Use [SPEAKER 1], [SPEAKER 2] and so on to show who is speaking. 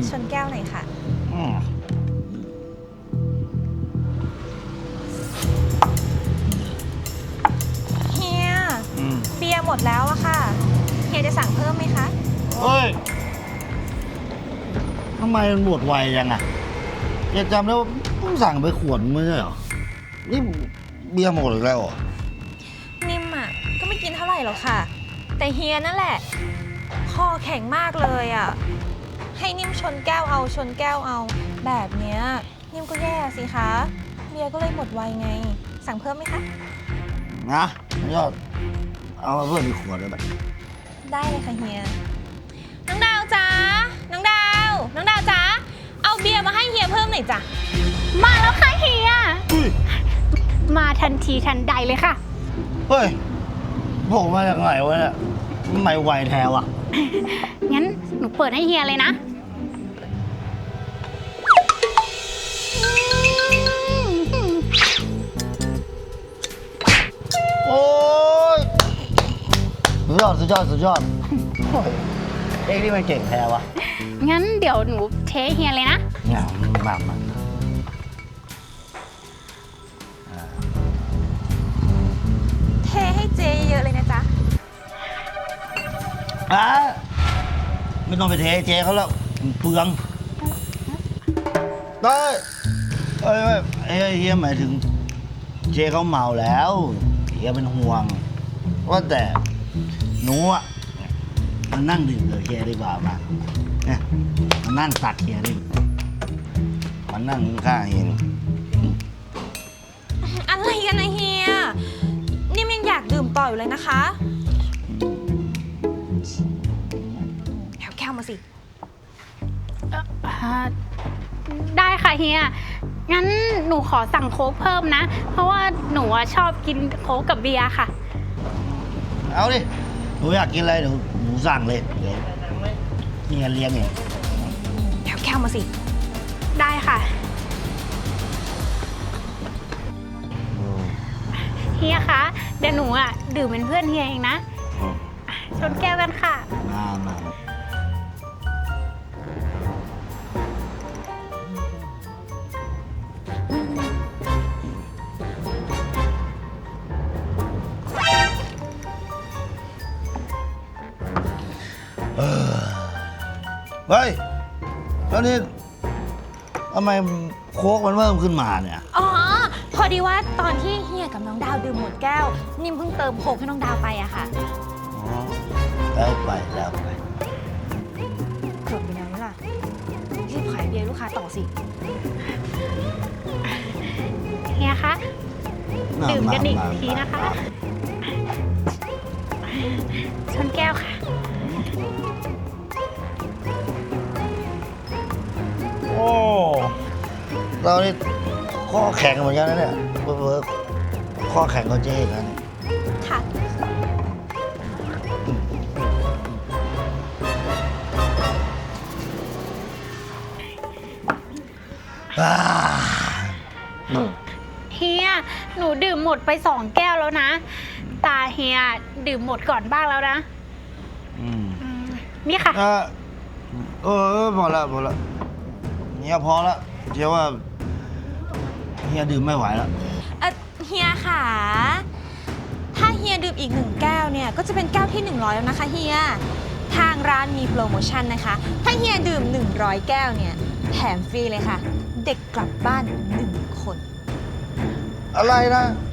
[SPEAKER 1] ชนแก้วหน่อยค่ะเฮียเบียร์หมดแล้วอะค่ะเฮียจะสั่งเพิ่มไหมคะ
[SPEAKER 2] เฮ้ยทำไมมันหมดไวจังอะแกจำได้ว่าเพิ่งสั่งไปขวดไม่ใช่เหรอนี่เบียร์หมดอีกแล้วเหรอ
[SPEAKER 1] นิ่มอะก็ไม่กินเท่าไหร่หรอกค่ะแต่เฮียนั่นแหละคอแข็งมากเลยอะให้นิ่มชนแก้วเอาชนแก้วเอาแบบเนี้ยนิ่มก็แย่สิคะเบียร์ก็เลยหมดไวไงสั่งเพิ่มไหมคะ
[SPEAKER 2] นะยอดเอามาเพิ่มอีกขวดได้ไหม
[SPEAKER 1] ได้เลยค่ะเฮียน้องดาวจ้าน้องดาวจ้าเอาเบียร์มาให้เฮียเพิ่มหน่อยจ้ะ
[SPEAKER 3] มาแล้วค่ะเฮียมาทันทีทันใดเลยค่ะ
[SPEAKER 2] เฮ้ยโผล่มาจากไหนวะเนี่ยทำไมไวแท้วะ
[SPEAKER 3] งั้นหนูเปิดให้เฮียเลยนะ
[SPEAKER 2] โอ้ยสุดยอดเอ้ยนี่มันเก่งแท้วะ
[SPEAKER 3] งั้นเดี๋ยวหนูเทเฮียเลยนะ
[SPEAKER 2] เนี่ยมา
[SPEAKER 1] เทให้เจเยอะเลยนะจ๊ะ
[SPEAKER 2] ไม่ต้องไปเทเจเขาแล้วเปลืองได้เฮียหมายถึงเจเขาเมาแล้วเฮียเป็นห่วงว่าแต่หนูอ่ะมันนั่งดื่มกับเฮียดีกว่ามาเนี่ยมันนั่งตักเฮียดิมันนั่งข้างเฮีย
[SPEAKER 1] อะไรกันนะเฮียนิ่มยังอยากดื่มต่ออยู่เลยนะคะแก้วมาสิ
[SPEAKER 3] ได้ค่ะเฮียงั้นหนูขอสั่งโค้กเพิ่มนะเพราะว่าหนูชอบกินโค้กกับเบียร์ค่ะ
[SPEAKER 2] เอาดิหนูอยากกินอะไรเดี๋ยวหนูสั่งเลยเดี๋ยวเฮียเลี้ยงเอง
[SPEAKER 1] แก้วมาสิ
[SPEAKER 3] ได้ค่ะเฮียคะเดี๋ยวหนูดื่มเป็นเพื่อนเฮียเองนะชนแก้วกันค่ะ
[SPEAKER 2] มาเฮ้ยแล้วนี่ทำไมโค้กมันเพิ่มขึ้นมาเนี่ย
[SPEAKER 1] อ๋อพอดีว่าตอนที่เฮียกับน้องดาวดื่มหมดแก้วนิ่มเพิ่งเติมโค้กให้น้องดาวไปอะค่ะ
[SPEAKER 2] อ๋อแล้วไปเกือบไป
[SPEAKER 1] แล้วล่ะรีบขายเบียร์ลูกค้าต่อสิ
[SPEAKER 3] เฮียคะดื่มกันอีกทีนะคะชนแก้วค่ะ
[SPEAKER 2] โอ้เรานี่ข้อแข็งเหมือนกันนะเนี่ยเวิร์กข้อแข็งก็เจ๊กัน
[SPEAKER 1] ค่ะ
[SPEAKER 3] เฮียหนูดื่มหมดไป2 แก้วแล้วนะตาเฮียดื่มหมดก่อนบ้างแล้วนะนี่ค่ะ
[SPEAKER 2] พอละเนี่ยพอละเจ๊ว่าเฮียดื่มไม่ไหวแล้ว
[SPEAKER 1] เฮียค่ะถ้าเฮียดื่มอีก1 แก้วเนี่ยก็จะเป็นแก้วที่100แล้วนะคะเฮียทางร้านมีโปรโมชั่นนะคะถ้าเฮียดื่ม100 แก้วเนี่ยแถมฟรีเลยค่ะเด็กกลับบ้าน1 คน
[SPEAKER 2] อะไรนะ